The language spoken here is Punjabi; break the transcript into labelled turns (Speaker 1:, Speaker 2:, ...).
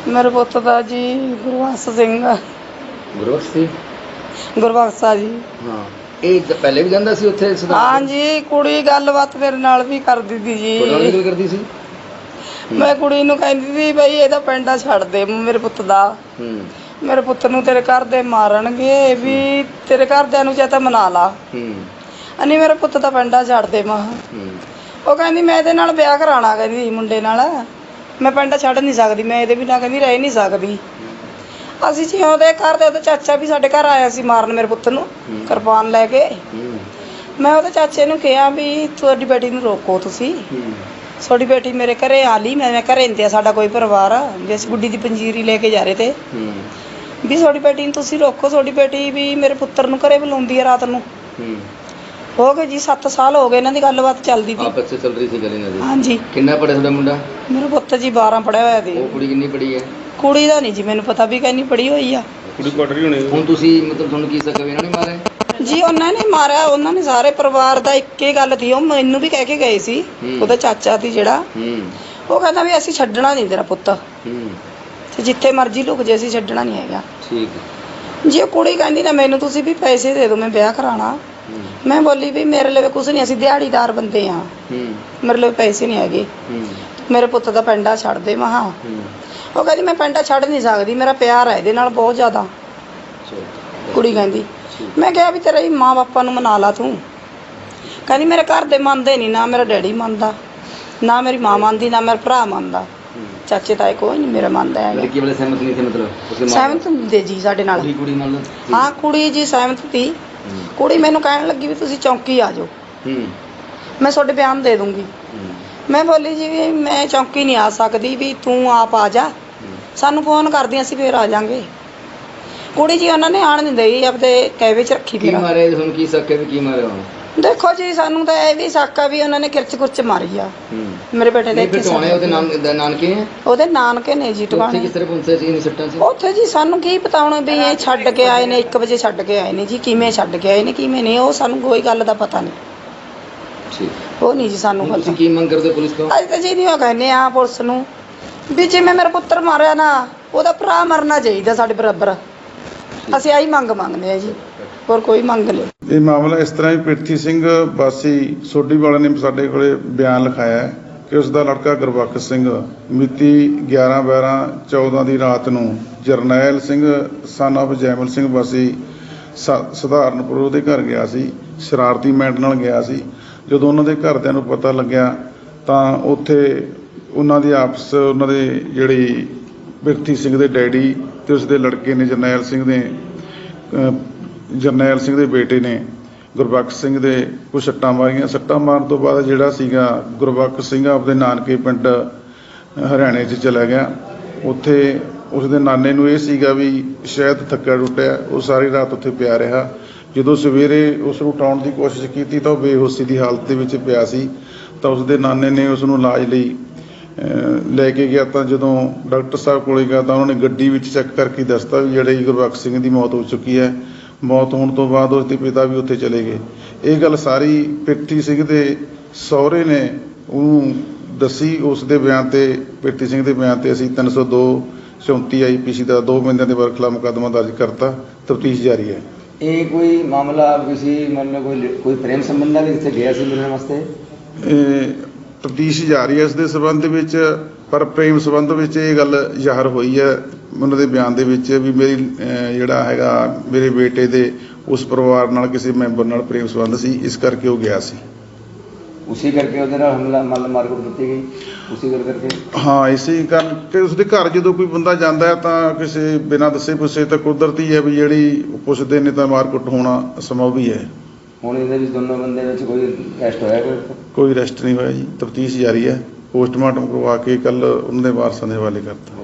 Speaker 1: ਮੇਰੇ ਪੁੱਤ ਦਾ ਜੀ ਗੁਰਬਖਸ਼ ਸਿੰਘ।
Speaker 2: ਗੁਰਬਖਸ਼ ਸੀ।
Speaker 1: ਗੁਰਬਖਸ਼ਾ ਜੀ।
Speaker 2: ਹਾਂ, ਇਹ ਪਹਿਲੇ ਵੀ ਜਾਂਦਾ ਸੀ ਉੱਥੇ
Speaker 1: ਹਾਂ ਜੀ, ਕੁੜੀ ਗੱਲਬਾਤ ਮੇਰੇ ਨਾਲ ਵੀ ਕਰਦੀ ਸੀ
Speaker 2: ਤੁਹਾਡੇ ਨਾਲ ਵੀ
Speaker 1: ਜੀ।
Speaker 2: ਗੱਲ ਕਰਦੀ ਸੀ।
Speaker 1: ਮੈਂ ਕੁੜੀ ਨੂੰ ਕਹਿੰਦੀ ਸੀ ਬਈ ਇਹਦਾ ਪਿੰਡਾ ਛੱਡ ਦੇ ਮੇਰੇ ਪੁੱਤ ਦਾ। ਮੇਰੇ ਪੁੱਤ ਨੂੰ ਤੇਰੇ ਘਰ ਦੇ ਮਾਰਨਗੇ, ਵੀ ਤੇਰੇ ਘਰਦਿਆਂ ਨੂੰ ਚਾਹੇ ਤਾਂ ਮਨਾ ਲਾ, ਨਹੀਂ ਮੇਰੇ ਪੁੱਤ ਦਾ ਪਿੰਡਾ ਛੱਡ ਦੇ। ਮਾਂ ਉਹ ਕਹਿੰਦੀ ਮੈਂ ਇਹਦੇ ਨਾਲ ਵਿਆਹ ਕਰਾਉਣਾ, ਕਹਿੰਦੀ ਮੁੰਡੇ ਨਾਲ ਮੈਂ ਪਿੰਡਾ ਛੱਡ ਨਹੀਂ ਸਕਦੀ, ਮੈਂ ਇਹਦੇ ਬਿਨਾਂ ਕਹਿੰਦੀ ਰਹਿ ਨਹੀਂ ਸਕਦੀ। ਅਸੀਂ ਜੀ ਉਹਦੇ ਘਰ ਦੇ, ਉਹਦਾ ਚਾਚਾ ਵੀ ਸਾਡੇ ਘਰ ਆਇਆ ਸੀ ਮਾਰਨ ਮੇਰੇ ਪੁੱਤ ਨੂੰ ਕਿਰਪਾਨ ਲੈ ਕੇ। ਮੈਂ ਉਹਦੇ ਚਾਚੇ ਨੂੰ ਕਿਹਾ ਵੀ ਤੁਹਾਡੀ ਬੇਟੀ ਨੂੰ ਰੋਕੋ, ਤੁਸੀਂ ਤੁਹਾਡੀ ਬੇਟੀ ਮੇਰੇ ਘਰੇ ਆ ਲਈ। ਮੈਂ ਘਰੇ ਨਹੀਂ, ਸਾਡਾ ਕੋਈ ਪਰਿਵਾਰ ਆ ਵੀ ਅਸੀਂ ਗੁੱਡੀ ਦੀ ਪੰਜੀਰੀ ਲੈ ਕੇ ਜਾ ਰਹੇ ਤੇ ਵੀ ਤੁਹਾਡੀ ਬੇਟੀ ਨੂੰ ਤੁਸੀਂ ਰੋਕੋ, ਤੁਹਾਡੀ ਬੇਟੀ ਵੀ ਮੇਰੇ ਪੁੱਤਰ ਨੂੰ ਘਰੇ ਬੁਲਾਉਂਦੀ ਆ ਰਾਤ ਨੂੰ। ਹੋ ਗਏ ਜੀ 7 ਸਾਲ ਹੋ ਗਏ ਇਹਨਾਂ ਦੀ ਗੱਲਬਾਤ ਚੱਲਦੀ ਸੀ।
Speaker 2: ਆਪਸ ਵਿੱਚ ਚੱਲ ਰਹੀ ਸੀ ਗੱਲ ਇਹਨਾਂ ਦੀ।
Speaker 1: ਹਾਂਜੀ।
Speaker 2: ਕਿੰਨਾ ਪੜਿਆ ਤੁਹਾਡਾ ਮੁੰਡਾ?
Speaker 1: ਮੇਰਾ ਪੁੱਤ ਜੀ 12 ਪੜਿਆ ਹੋਇਆ ਸੀ।
Speaker 2: ਉਹ ਕੁੜੀ ਕਿੰਨੀ ਪੜੀ ਹੈ?
Speaker 1: ਕੁੜੀ ਦਾ ਨਹੀਂ ਜੀ ਮੈਨੂੰ ਪਤਾ ਵੀ ਕਿੰਨੀ ਪੜੀ ਹੋਈ ਆ।
Speaker 2: ਕੁੜੀ ਕੁਆਟਰੀ ਹੋਣੀ। ਹੁਣ ਤੁਸੀਂ ਮਤਲਬ ਤੁਹਾਨੂੰ ਕੀ ਸਕਾ ਵੀ ਇਹਨਾਂ ਨੇ ਮਾਰਿਆ
Speaker 1: ਜੀ? ਉਹਨਾਂ ਨੇ ਮਾਰਿਆ, ਉਹਨਾਂ ਨੇ ਸਾਰੇ ਪਰਿਵਾਰ ਦਾ ਇੱਕ ਹੀ ਗੱਲ ਸੀ। ਉਹ ਮੈਨੂੰ ਵੀ ਕਹਿ ਕੇ ਗਏ ਸੀ, ਉਹਦਾ ਚਾਚਾ ਸੀ ਜਿਹੜਾ, ਉਹ ਕਹਿੰਦਾ ਵੀ ਅਸੀਂ ਛੱਡਣਾ ਨਹੀਂ ਤੇਰਾ ਪੁੱਤ, ਤੇ ਜਿੱਥੇ ਮਰਜ਼ੀ ਲੁਕ ਜੇ ਅਸੀਂ ਛੱਡਣਾ ਨਹੀਂ ਹੈਗਾ। ਠੀਕ ਜੀ। ਉਹ ਕੁੜੀ ਕਹਿੰਦੀ ਨਾ ਮੈਨੂੰ ਤੁਸੀਂ ਵੀ ਪੈਸੇ ਦੇ ਦਿਓ, ਮੈਂ ਵਿਆਹ ਕਰਾਉਣਾ। ਮੈਂ ਬੋਲੀ ਵੀ ਮੇਰੇ ਲਈ ਕੁਛ ਨਹੀਂ, ਅਸੀਂ ਦਿਹਾੜੀਦਾਰ ਬੰਦੇ ਆ, ਮੇਰੇ ਲਈ ਪੈਸੇ ਨਹੀਂ ਹੈਗੇ, ਮੇਰੇ ਪੁੱਤ ਦਾ ਪਿੰਡਾ ਛੱਡ ਦੇ। ਮਹਾ ਉਹ ਕਹਿੰਦੀ ਮੈਂ ਪਿੰਡਾ ਛੱਡ ਨਹੀਂ ਸਕਦੀ, ਮੇਰਾ ਪਿਆਰ ਹੈ ਇਹਦੇ ਨਾਲ ਬਹੁਤ ਜ਼ਿਆਦਾ। ਕੁੜੀ ਕਹਿੰਦੀ, ਮੈਂ ਕਿਹਾ ਵੀ ਤੇਰੇ ਮਾਂ ਬਾਪਾ ਨੂੰ ਮਨਾ ਲਾ ਤੂੰ। ਕਹਿੰਦੀ ਮੇਰੇ ਘਰ ਦੇ ਮੰਨਦੇ ਨਹੀਂ, ਨਾ ਮੇਰਾ ਡੈਡੀ ਮੰਨਦਾ, ਨਾ ਮੇਰੀ ਮਾਂ ਮੰਨਦੀ, ਨਾ ਮੇਰਾ ਭਰਾ ਮੰਨਦਾ, ਚਾਚੇ ਤਾਏ ਕੋਈ ਨਹੀਂ ਮੇਰਾ ਮੰਨਦਾ ਹੈਗਾ।
Speaker 2: ਸਹਿਮਤ ਨਹੀਂ ਸੀ? ਮਤਲਬ
Speaker 1: ਸਹਿਮਤ ਹੁੰਦੇ ਜੀ ਸਾਡੇ ਨਾਲ। ਹਾਂ ਕੁੜੀ ਜੀ ਸਹਿਮਤ ਸੀ। ਕੁੜੀ ਮੈਨੂੰ ਕਹਿਣ ਲੱਗੀ ਵੀ ਤੁਸੀਂ ਚੌਂਕੀ ਆ ਜਾਓ, ਮੈਂ ਤੁਹਾਡੇ ਬਿਆਨ ਦੇ ਦੂੰਗੀ। ਮੈਂ ਬੋਲੀ ਜੀ ਵੀ ਮੈਂ ਚੌਂਕੀ ਨਹੀਂ ਆ ਸਕਦੀ, ਵੀ ਤੂੰ ਆਪ ਆ ਜਾ, ਸਾਨੂੰ ਫੋਨ ਕਰਦੀ ਅਸੀਂ ਫਿਰ ਆ ਜਾਵਾਂਗੇ। ਕੁੜੀ ਜੀ ਉਹਨਾਂ ਨੇ ਆਣ ਨਹੀਂ ਦਈ, ਆਪਦੇ ਕੈਵੇ 'ਚ ਰੱਖੀ।
Speaker 2: ਕੀ ਮਾਰਿਆ ਤੁਹਾਨੂੰ? ਕੀ ਸ਼ੱਕ ਹੈ ਵੀ ਕੀ ਮਾਰਿਆ?
Speaker 1: ਦੇਖੋ ਜੀ ਸਾਨੂੰ ਤਾਂ ਇਹ ਵੀ ਸ਼ੱਕ ਆ ਵੀ ਉਹਨਾਂ ਨੇ ਕਿਰਚ ਕੁਰਚ ਮਾਰੀ ਆ ਮੇਰੇ ਬੇਟੇ ਦੇ। ਉਹਦੇ ਨਾਨਕੇ ਨੇ ਜੀ ਟਿਕਾਣੇ। ਉੱਥੇ ਜੀ ਸਾਨੂੰ ਕੀ ਪਤਾ ਹੁਣ ਵੀ ਇਹ ਛੱਡ ਕੇ ਆਏ ਨੇ, 1 ਵਜੇ ਛੱਡ ਕੇ ਆਏ ਨੇ ਜੀ। ਕਿਵੇਂ ਛੱਡ ਕੇ ਆਏ ਨੇ ਕਿਵੇਂ ਨਹੀਂ, ਉਹ ਸਾਨੂੰ ਕੋਈ ਗੱਲ ਦਾ ਪਤਾ ਨਹੀਂ। ਉਹ ਨਹੀਂ ਜੀ ਸਾਨੂੰ ਪਤਾ।
Speaker 2: ਕੀ ਮੰਗ ਕਰਦੇ ਪੁਲਿਸ ਤੋਂ?
Speaker 1: ਅੱਜ ਤਾਂ ਜੀ ਨਹੀਂ ਉਹ ਕਹਿੰਦੇ ਆ ਪੁਲਿਸ ਨੂੰ ਵੀ ਜਿਵੇਂ ਮੇਰਾ ਪੁੱਤਰ ਮਾਰਿਆ ਨਾ, ਉਹਦਾ ਭਰਾ ਮਰਨਾ ਚਾਹੀਦਾ ਸਾਡੇ ਬਰਾਬਰ। ਅਸੀਂ ਆਹੀ ਮੰਗ ਮੰਗਦੇ ਆ ਜੀ, ਹੋਰ ਕੋਈ ਮੰਗ ਨਹੀਂ।
Speaker 3: ਇਹ ਮਾਮਲਾ ਇਸ ਤਰ੍ਹਾਂ ਹੀ ਪ੍ਰਿਥੀ ਸਿੰਘ ਵਾਸੀ ਸੋਢੀ ਵਾਲੇ ਨੇ ਸਾਡੇ ਕੋਲੇ ਬਿਆਨ ਲਿਖਾਇਆ ਕਿ ਉਸ ਦਾ ਲੜਕਾ ਗੁਰਬਖਸ਼ ਸਿੰਘ ਮਿਤੀ 11/12/14 ਦੀ ਰਾਤ ਨੂੰ ਜਰਨੈਲ ਸਿੰਘ ਸਨ ਆਫ ਜੈਮਲ ਸਿੰਘ ਵਾਸੀ ਸਧਾਰਨਪੁਰ ਉਹਦੇ ਘਰ ਗਿਆ ਸੀ, ਸ਼ਰਾਰਤੀ ਮੈਂਟ ਨਾਲ ਗਿਆ ਸੀ। ਜਦੋਂ ਉਹਨਾਂ ਦੇ ਘਰਦਿਆਂ ਨੂੰ ਪਤਾ ਲੱਗਿਆ ਤਾਂ ਉੱਥੇ ਉਹਨਾਂ ਦੀ ਆਪਸ, ਉਹਨਾਂ ਦੇ ਜਿਹੜੀ ਪ੍ਰਿਥੀ ਸਿੰਘ ਦੇ ਡੈਡੀ ਤੇ ਉਸਦੇ ਲੜਕੇ ਨੇ ਜਰਨੈਲ ਸਿੰਘ ਦੇ ਬੇਟੇ ਨੇ ਗੁਰਬਖਸ਼ ਸਿੰਘ ਦੇ ਕੁਛ ਸੱਟਾਂ ਮਾਰੀਆਂ। ਸੱਟਾਂ ਮਾਰਨ ਤੋਂ ਬਾਅਦ ਜਿਹੜਾ ਸੀਗਾ ਗੁਰਬਖਸ਼ ਸਿੰਘ ਆਪਦੇ ਨਾਨਕੇ ਪਿੰਡ ਹਰਿਆਣੇ 'ਚ ਚਲਾ ਗਿਆ। ਉੱਥੇ ਉਸਦੇ ਨਾਨੇ ਨੂੰ ਇਹ ਸੀਗਾ ਵੀ ਸ਼ਾਇਦ ਥੱਕਾ ਟੁੱਟਿਆ, ਉਹ ਸਾਰੀ ਰਾਤ ਉੱਥੇ ਪਿਆ ਰਿਹਾ। ਜਦੋਂ ਸਵੇਰੇ ਉਸ ਨੂੰ ਉਠਾਉਣ ਦੀ ਕੋਸ਼ਿਸ਼ ਕੀਤੀ ਤਾਂ ਉਹ ਬੇਹੋਸ਼ੀ ਦੀ ਹਾਲਤ ਦੇ ਵਿੱਚ ਪਿਆ ਸੀ। ਤਾਂ ਉਸਦੇ ਨਾਨੇ ਨੇ ਉਸ ਨੂੰ ਇਲਾਜ ਲਈ ਲੈ ਕੇ ਗਿਆ। ਤਾਂ ਜਦੋਂ ਡਾਕਟਰ ਸਾਹਿਬ ਕੋਲ ਗਿਆ ਤਾਂ ਉਹਨਾਂ ਨੇ ਗੱਡੀ ਵਿੱਚ ਚੈੱਕ ਕਰਕੇ ਦੱਸਤਾ ਵੀ ਜਿਹੜੇ ਗੁਰਬਖਸ਼ ਸਿੰਘ ਦੀ ਮੌਤ ਹੋ ਚੁੱਕੀ ਹੈ। ਮੌਤ ਹੋਣ ਤੋਂ ਬਾਅਦ ਉਸਦੇ ਪਿਤਾ ਵੀ ਉੱਥੇ ਚਲੇ ਗਏ। ਇਹ ਗੱਲ ਸਾਰੀ ਪ੍ਰਿਥੀ ਸਿੰਘ ਦੇ ਸਹੁਰੇ ਨੇ ਉਹਨੂੰ ਦੱਸੀ। ਉਸ ਦੇ ਬਿਆਨ 'ਤੇ, ਪ੍ਰਿਥੀ ਸਿੰਘ ਦੇ ਬਿਆਨ 'ਤੇ ਅਸੀਂ 302/34 IPC ਦਾ 2 ਬੰਦਿਆਂ ਦੇ ਖਿਲਾਫ ਮੁਕੱਦਮਾ ਦਰਜ ਕਰਤਾ। ਤਫਤੀਸ਼ ਜਾਰੀ ਹੈ।
Speaker 2: ਇਹ ਕੋਈ ਮਾਮਲਾ ਕੋਈ ਪ੍ਰੇਮ ਸੰਬੰਧ ਨਾਲ ਇੱਥੇ ਗਿਆ ਸੀ ਮਿਲਣ ਵਾਸਤੇ?
Speaker 3: ਤਫਤੀਸ਼ ਜਾਰੀ ਹੈ ਇਸ ਦੇ ਸੰਬੰਧ ਵਿੱਚ, ਪਰ ਪ੍ਰੇਮ ਸੰਬੰਧ ਵਿੱਚ ਇਹ ਗੱਲ ਜ਼ਾਹਰ ਹੋਈ ਹੈ ਉਹਨਾਂ ਦੇ ਬਿਆਨ ਦੇ ਵਿੱਚ ਵੀ ਮੇਰੀ ਜਿਹੜਾ ਹੈਗਾ ਮੇਰੇ ਬੇਟੇ ਦੇ ਉਸ ਪਰਿਵਾਰ ਨਾਲ ਕਿਸੇ ਮੈਂਬਰ ਨਾਲ ਪ੍ਰੇਮ ਸੰਬੰਧ ਸੀ, ਇਸ ਕਰਕੇ ਉਹ ਗਿਆ ਸੀ।
Speaker 2: ਉਸੇ ਕਰਕੇ ਉਹਦੇ ਨਾਲ ਹਮਲਾ ਮਾਰਕੁੱਟ ਕੀਤੀ ਗਈ, ਉਸੇ ਗੱਲ ਕਰਕੇ? ਹਾਂ,
Speaker 3: ਇਸੇ ਕਰਕੇ ਉਸਦੇ ਘਰ ਜਦੋਂ ਕੋਈ ਬੰਦਾ ਜਾਂਦਾ ਹੈ ਤਾਂ ਕਿਸੇ ਬਿਨਾਂ ਦੱਸੇ ਪੁੱਛੇ ਤਾਂ ਕੁਦਰਤੀ ਹੈ ਵੀ ਜਿਹੜੀ ਪੁੱਛਦੇ ਨੇ ਤਾਂ ਮਾਰਕੁੱਟ ਹੋਣਾ ਸੰਭਵ ਹੀ ਹੈ।
Speaker 2: ਹੁਣ ਇਹਦੇ ਵਿੱਚ ਦੋਨੋਂ ਬੰਦੇ ਵਿੱਚ ਕੋਈ ਅਰੈਸਟ ਹੋਇਆ?
Speaker 3: ਕੋਈ ਅਰੈਸਟ ਨਹੀਂ ਹੋਇਆ ਜੀ। ਤਫਤੀਸ਼ ਜਾਰੀ ਹੈ। ਪੋਸਟਮਾਰਟਮ ਕਰਵਾ ਕੇ ਕੱਲ੍ਹ ਉਹਨਾਂ ਦੇ ਵਾਰਸਾਂ ਦੇ ਹਵਾਲੇ ਕਰਤਾ।